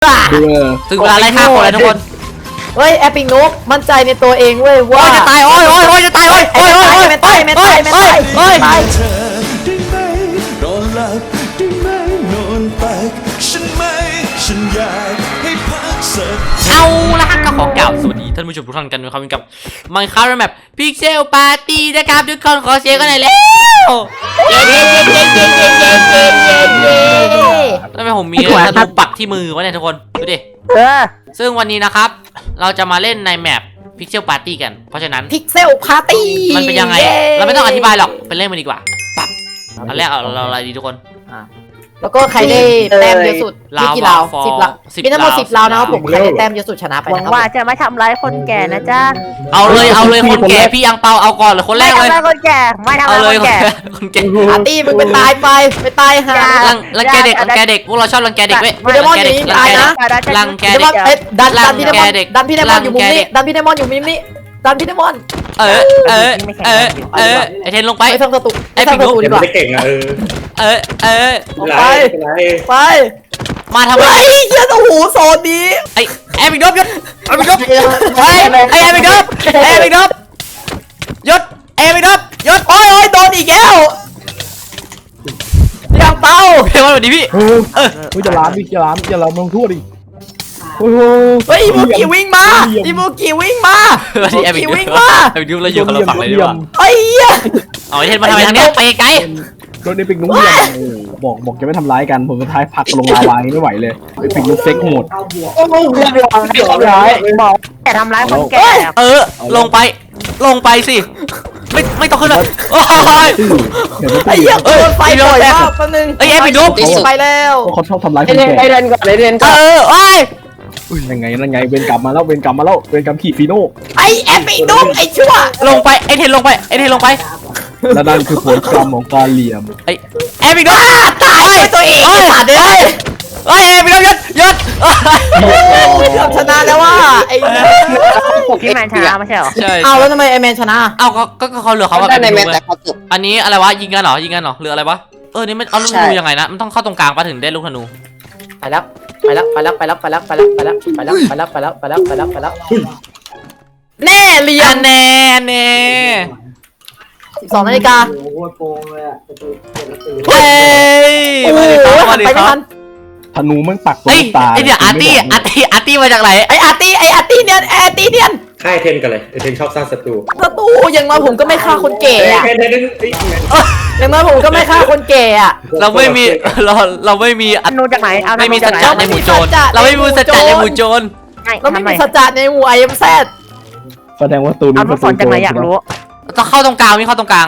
ถึงเวลาไล่ฆ่าคนแล้วทุกคนเฮ้ยแอปปิ้งนุ๊กมั่นใจในตัวเองเว้ยว่าจะตายโอ้ยจะตายโอ้ยไม่ตายโอ้ยเธอได้ไหมนอนหลับได้ไหมนอนตักฉันไหมฉันอยากให้พักสักเอาละฮะก็ขอกล่าวสวัสดีท่านผู้ชมทุกท่านกันนะครับกับมันคาร์แมปพิกเซลปาร์ตี้นะครับทุกคนขอเสียงกันหน่อยแล้วทำไมผมมีธนูปักที่มือวะเนี่ยทุกคนดูดิซึ่งวันนี้นะครับเราจะมาเล่นในแมปพิกเซลปาร์ตี้กันเพราะฉะนั้นพิกเซลปาร์ตี้มันเป็นยังไงเราไม่ต้องอธิบายหรอกไปเล่นมันดีกว่าปั๊บอันแรกเราอะไรดีทุกคนแล้วก็ใครได้แต้มเยอะสุดมีกี่ราว10 ราวมีทั้งหมด10 ราวนะครับผมใครได้แต้มเยอะสุดชนะไปหวังว่าจะไม่ทำร้ายคนแก่นะจ๊ะเอาเลยคนแก่พี่อังเปาเอาก่อนเลยคนแรกเลยไม่ทำร้ายคนแก่ไม่ทำร้ายคนแก่คนแก่ปาร์ตี้มึงไปตายหารังแกเด็กพวกเราชอบรังแกเด็กเว้ยพี่เดมอนอยู่นี่ตายนะรังแกเด็กดันพี่เดมอนดันพี่เดมอนอยู่มุมนี้ดันพี่เดมอนอยู่มุมนี้ดันพี่เดมอนไอเทนลงไปไปทางประตูไปทางประตูดีกว่าไม่เก่งอะไปมาทำไมเหี้ยโอ้โหโซนนี้ไอแอบิกดบยศแอบิกดบไอแอบิกดบยศแอบิกดบยศโอ้ยโดนอีกแล้วยังเป้าเฮ้ยวันนี้พี่จะล้างมึงทั่วดิเฮ้ยมูกี้วิ่งมามูกี้วิ่งมาแอบิกวิ่งมาแอบิกเราอยู่คนละฝั่งเลยดีกว่าไอ้เหี้ยเอาไอเทนมาทำไมทางนี้ไปไกลโดนไอ้ปิกนุ๊กบอกจะไม่ทำร้ายกันผมสุดท้ายพักลงลาวาไม่ไหวเลยไอ้ปิกนุ๊กเซ็กโหดบอกแต่ทำร้ายคนแก่ลงไปสิไม่ต้องขึ้นเลยโอ้ยไอ้เหี้ยไฟบ่อยมากแป๊บนึงไอ้แอบิกนุ๊กไปแล้วเขาชอบทำร้ายคนแก่ไอ้เรนก่อนโอ้ยยังไงเวรกรรมมาแล้วเวรกรรมขี่ฟีโน่ไอ้แอปปี้นุ๊กไอ้ชั่วลงไปไอ้เทนลงไปและนั่นคือผลกรรมของการเหลี่ยมไอ้แอบิกนุ๊กตายไปตัวเองขาดเลยแอบิกนุ๊กยศชนะแล้วว่าไอ้พี่แมนชนะไม่ใช่หรอใช่เอาแล้วทำไมไอ้แมนชนะเอาก็เขาเหลือเขาแบบในแมนแต่เขาจบอันนี้อะไรวะยิงกันเหรอหรืออะไรวะนี่มันเอาลูกธนูยังไงนะมันต้องเข้าตรงกลางปะถึงได้ลูกธนูไปแล้วแน่เรียนแน่ 12 นาฬิกาเฮ้ยไปไม่ทันธนูมันปักตัวตาไอเดี๋ยวอาร์ตี้มาจากไหนไออาร์ตี้เนี่ยค่ายเทนกันเลยเทนชอบสร้างศัตรูอย่างน้อยผมก็ไม่ฆ่าคนแก่อะอย่างน้อยผมก็ไม่ฆ่าคนแก่อะเราไม่มีธนูจากไหนไม่มีสัจจะในหมู่โจรเราไม่มีสัจจะในหมู่โจรเราไม่มีสัจจะในหมู่IMZ แสดงว่าตูนี้มันสอนจากไหนอยากรู้ต้องเข้าตรงกลาง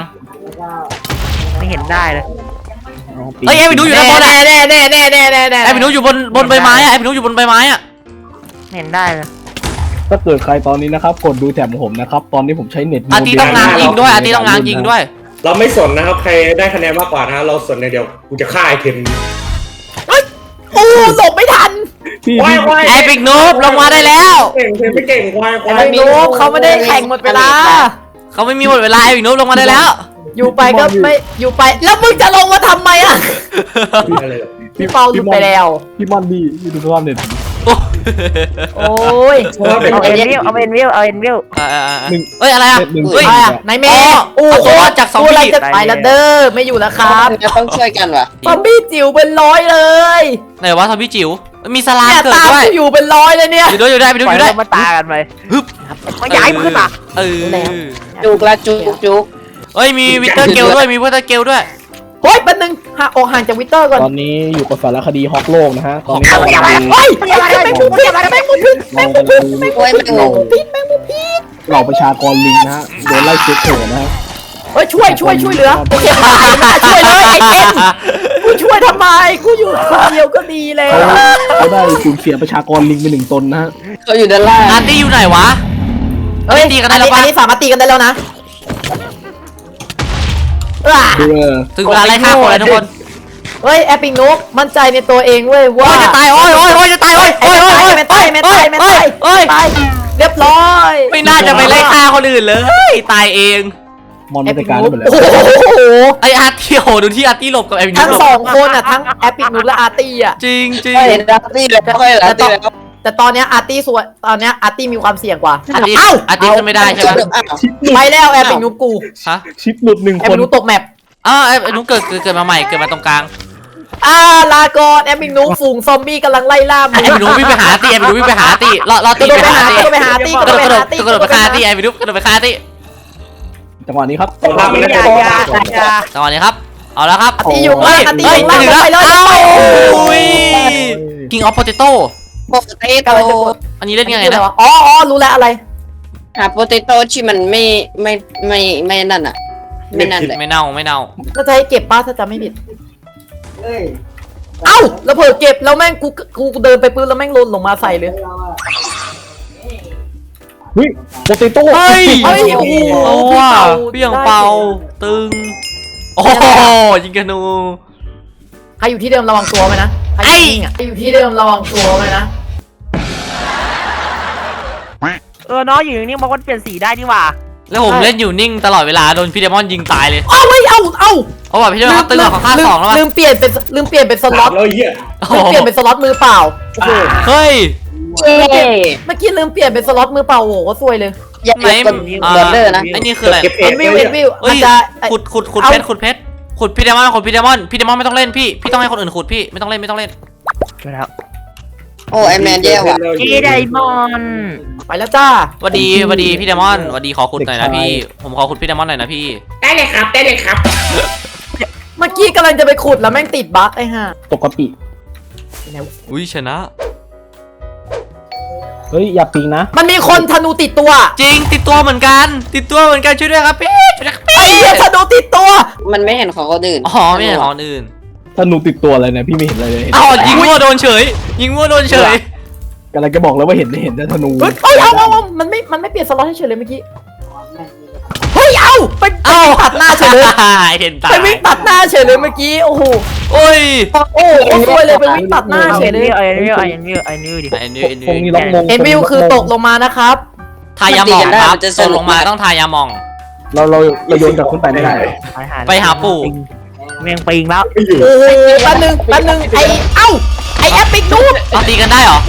ไม่เห็นได้เลยไอ้ไปดูอยู่ด้านบนแน่ไอ้ไปดูอยู่บนใบไม้อะไอ้ไปดูอยู่บนใบไม้อะเห็นได้เลยถ้าเกิดใครตอนนี้นะครับกดดูแถบของผมนะครับตอนนี้ผมใช้เน็ตอาร์ตี้ต้องง้างยิงด้วยเราไม่สนนะครับใครได้คะแนนมากกว่านะเราสนในเดียวกูจะฆ่าไอเทนโอ้หลบไม่ทันไอ้ปิกนูบลงมาได้แล้วไม่เก่งควายไอ้ปิกนูบเขาไม่ได้แข่งหมดเวลาเขาไม่มีหมดเวลาไอ้ปิกนูบลงมาได้แล้วอยู่ไปก็ไม่อยู่ไปแล้วมึงจะลงมาทำไมอ่ะพี่เปาหลุดไปแล้วพี่มอนดีดูสภาพเน็ตโอ้ยเอาเอ็นวิวเฮ้ยอะไรอ่ะเฮ้ยนายเมย์โอ้โหจากซอมบี้ไปแล้วเด้อไม่อยู่แล้วครับต้องช่วยกันวะซอมบี้จิ๋วเป็น100เลยไหนวะซอมบี้จิ๋วมีสลามเกิดด้วยอยู่เป็น100เลยเนี่ยอยู่ได้ไปดูมาตากันไปฮึบมาย้ายขึ้นอ่ะจุกเฮ้ยมีวิเตอร์เกลด้วยเฮ้ยแป๊บนึงห่างจากวิเตอร์ก่อนตอนนี้อยู่กับสารคดีฮอกโลกนะฮะตอนนี้เฮ้ยแมงมุมพิษเหล่าประชากรลิงนะฮะโดนไล่เช็คเถอะนะฮะเฮ้ยช่วยเหลือโอเคช่วยเลยไอ้เจนกูช่วยทำไมกูอยู่คนเดียวก็ดีแล้วเขาได้สูญเสียประชากรลิงไป1 ตนนะฮะเขาอยู่ด้านล่างอาร์ตี้อยู่ไหนวะตีกันได้แล้วอันนี้สามารถตีกันได้แล้วนะถึงเวลาไล่ฆ่าคนแล้วทุกคนเฮ้ยแอปปิ้งนุ๊กมั่นใจในตัวเองเว้ยว่าจะตายโอ้ยจะตายไม่ตายเรียบร้อยไม่น่าจะไปไล่ฆ่าคนอื่นเลยตายเองมอนมันจัดการได้หมดแล้วโอ้โหไออาร์ตี้โหดูที่อาร์ตี้หลบกับไอ้วินทั้งหลบสองคนอ่ะทั้งแอปปิกนูและอาร์ตี้อ่ะจริงจริงไม่เห็นอาร์ตี้เลยไม่ค่อยเห็นอาร์ตี้แล้วแต่ตอนเนี้ยอาร์ตี้ส่วนตอนเนี้ยอาร์ตี้มีความเสี่ยงกว่าอาร์ตี้เอ้าอาร์ตี้ขึ้นไม่ได้ใช่ไหมชิปหลุดไปแล้วแอปปิกนูกูฮะชิปหลุดหนึ่งแอปคปินกนูตกแมปไอ้นุ๊กเกิดมาใหม่เกิดมาตรงกลางลาก่อนแอปปิกนูฝูงซอมบี้กำลังไล่ล่ามึไอ้งวินวิ่งไปหาอาร์ตี้ไอ้วินวิ่งไปหาอาร์ตี้รอกตีระโดดไปไปหาหาอาร์ตี้กระโดดไปหาอาร์ตี้กระโดดไปฆ่าอาร์ตี้ไอ้วินกระโดดไปฆ่าอาร์ตี้จังหวะนี้ครับต้องทำมันได้จังหวะนี้ครับเอาแล้วครับอาร์ตี้อยู่ล่างอาร์ตี้อยู่ล่างถึงไปเลยอุ้ย King of Potato โปเตโต้อันนี้เล่นยังไงนะอ๋อรู้แล้วอะไรหาโปเตโต้ที่มันไม่นั่นอ่ะไม่นั่นเลยไม่เน่าถ้าจะให้เก็บป้าถ้าจะไม่ผิดเอ้าแล้วเผลอเก็บแล้วแม่งกูเดินไปปื้นแล้วแม่งหล่นลงมาใส่เลยเฮ้ยโปเตโต้เฮ้ยเฮ้ยโอ้โหเอาว่ะพี่เบี่ยงเป่าเป่าตึงโอ้โหยิงกันนูใครอยู่ที่เดิมระวังตัวไว้นะใครอยู่ที่เดิมระวังตัวไว้นะเนาะอยู่นี่มันก็เปลี่ยนสีได้นี่หว่าแล้วผมเล่นอยู่นิ่งตลอดเวลาโดนพี่เดมอนยิงตายเลยเอาไม่เอาเพราะว่าพี่เดมอนเขาตึงกว่าค่าสองแล้วลืมเปลี่ยนเป็นสล็อตแล้วเหี้ยลืมเปลี่ยนเป็นสล็อตมือเปล่าโอ้โหเฮ้ยเย้เมื่อกี้ลืมเปลี่ยนเป็นสล็อตมือเปล่าโอ้โหก็ซวยเลยยังไหนเป็นเบอร์เดอร์นะไอ้นี่คืออะไรเอ็นวิวเอ้มันยจะขุดเพชรขุดพี่เดมอนพี่เดมอนไม่ต้องเล่นพี่ต้องให้คนอื่นขุดพี่ไม่ต้องเล่นแล้วโอ้ไอแมนแย่ว่ะเจไดมอนไปแล้วจ้าสวัสดีพี่เดมอนสวัสดีขอขุดหน่อยนะพี่ผมขอขุดพี่เดมอนหน่อยนะพี่ได้เลยครับเมื่อกี้กำลังจะไปขุดแล้วแม่งติดบั๊กไอ้ห่าตกกะปิอุ้ยชนะเฮ้ยอย่าปิงนะมันมีคนธนูติดตัวจริงติดตัวเหมือนกันช่วยด้วยครับพี่ช่วยด้วยครับพี่ไอ้เหี้ยธนูติดตัวมันไม่เห็นของคนอื่นอ๋อไม่ใช่ของอื่นถ้าหนูติดตัวอะไรเนี่ยพี่ไม่เห็นอะไรเลยอ๋อยิงมั่วโดนเฉยกำลังจะบอกแล้วว่าเห็นแต่ธนูเฮ้ยเอามันไม่เปลี่ยนสล็อตให้เฉยเลยเมื่อกี้เฮ้ยเอาไปตัดหน้าเฉยเลยเห็นตาไปวิ่งตัดหน้าเฉยเลยเมื่อกี้โอ้โหโอ้ยโอ้โหซวยเลยไปวิ่งตัดหน้าเฉยเลยไอ้นี่ดิไอ้นี่คงมีล็อกมงเอ็นวิวคือตกลงมานะครับทายาหมองครับตกลงมาต้องทายาหมองเราโยนกลับขึ้นไปไม่ได้ไปหาปู่เมียงปิงแล้วไม่อยู่โอ้โหแป๊บนึงไอแอปปิกนูดเอาตีกันได้เหรอ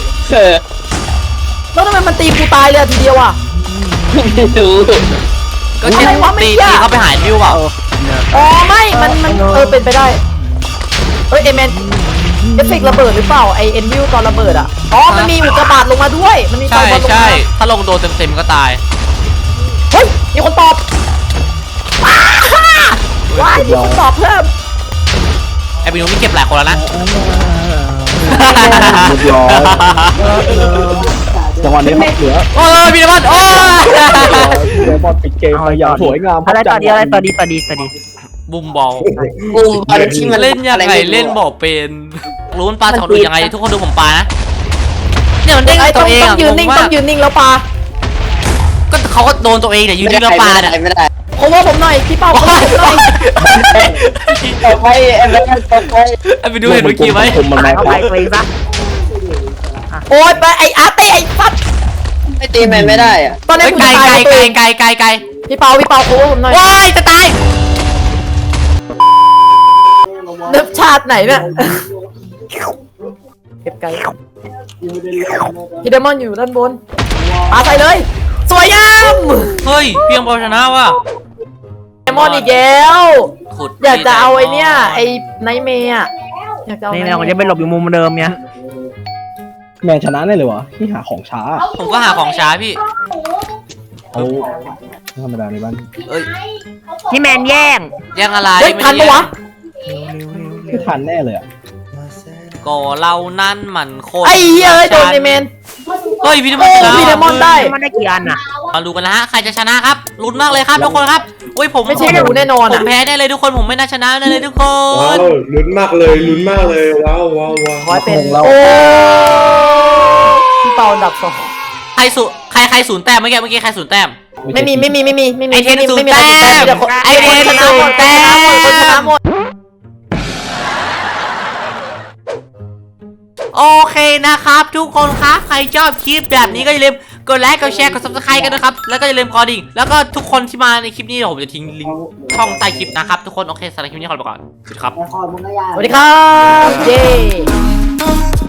แล้วทำไมมันตีกูตายเลยทีเดียวอ่ะไม่รู้ก็เช่นตีเขาไปหาวิวเปล่าอ๋อไม่มันเป็นไปได้เฮ้ยเอเมนเอฟเฟกต์ระเบิดหรือเปล่าไอเอ็นวิวตอนระเบิดอ่ะอ๋อมันมีอุกกาบาตลงมาด้วยมันมีใช่บอลลงใช่มาถ้าลงโดนเต็มก็ตายเฮ้ยมีคนตอบว้ายมีคนตอบเพิ่มไอ้บินูมีเก็บหลายคนแล้วนะเรียบร้อยจังหวะนี้ครับเหลือโอ้ยพี่เดมอนโอ้ยเดมอนปิดเกมไปอย่างสวยงามอะไรต่อดีบุมบอลบูมบอลที่มันเล่นยังไงเล่นบอกเป็นรู้มันปลาสองดูยังไงทุกคนดูผมปลานะเนี่ยมันเด้งไอ้ตัต้อวงเองต้องยืนนิ่งต้องยืนนิ่งแล้วปาก็เขาก็โดนตัวเองเนี่ยยืนนิ่งแล้วปลาเนี่ยไม่ได้โคเวอร์ผมหน่อยพี่เป้าโคเวอร์ผมหน่อยต่อไปไอ้แมนต่อไปไอ้ไปดูเห็นเมื่อกี้ไหมผมมันแรงเข้าคไปรับปิงซะโอ๊ยไปไออาร์ตี้ไอฟัดไม่ตีแมนไม่ได้อ่ะตอนนี้กูไกลจะตายตัวเองไกลพี่เปาโคเวอร์ผมหน่อยว้ายจะตายเนิบชาติไหนเนี่ยเก็บไกลพี่เดมอนอยู่ด้านบนปาใส่เลยสวยงามเฮ้ยเพียงบอลชนะว่ะเดมอนอีกแล้วขุดอยากจะเอาไอเนี้ยไอไนท์เมย์อะอยากจะเอานี่ไนเราท์เมจะย์ไปหลบอยู่มุมเดิมเนี่ยแมนชนะได้เลยวะที่หาของช้าผมก็หาของช้าพี่เขาธรรมดาในบ้านเอ้ยนี่แมนแย่งยังอะไรเฮ้ยทันปะวะไม่ทันแน่เลยอ่ะก็เรานั่นมันโคตรไอ้เหี้ยเอ้ยโดนไอเมนเฮ้ยพี่เดมอนโอ้ชนะพี่เดมอนได้มันได้กี่อันอ่ะมาดูกันนะฮะใครจะชนะครับลุ้นมากเลยครับทุกคนครับโอ้ยผมไม่ใช่หนูแน่นอนผอะมแพ้แน่เลยทุกคนผมไม่น่าชนะแน่เลยทุกคว้าวน ลุ้นมากเลยว้าวร้อยเป็นของเราโอ้พี่เปาอันดับสองใครศูนย์แต้มเมื่อกี้ใครศูนย์แต้มไม่มีไอเทนศูนย์ไม่มีแต้ใครมเดี๋ยวคนไอเทนศูนย์แต้คนชนะมหมดโอเคนะครับทุกคนครับใครชอบคลิปแบบนี้ก็อย่าลืมกดไลค์กดแชร์กด subscribe กันนะครับแล้วก็อย่าลืมกดดิ่งแล้วก็ทุกคนที่มาในคลิปนี้เดี๋ยวผมจะทิ้งลิงก์ช่องใต้คลิปนะครับทุกคนโอเคสำหรับคลิปนี้ขอลาไปก่อนสวัสดีครับสวัสดีครับเย้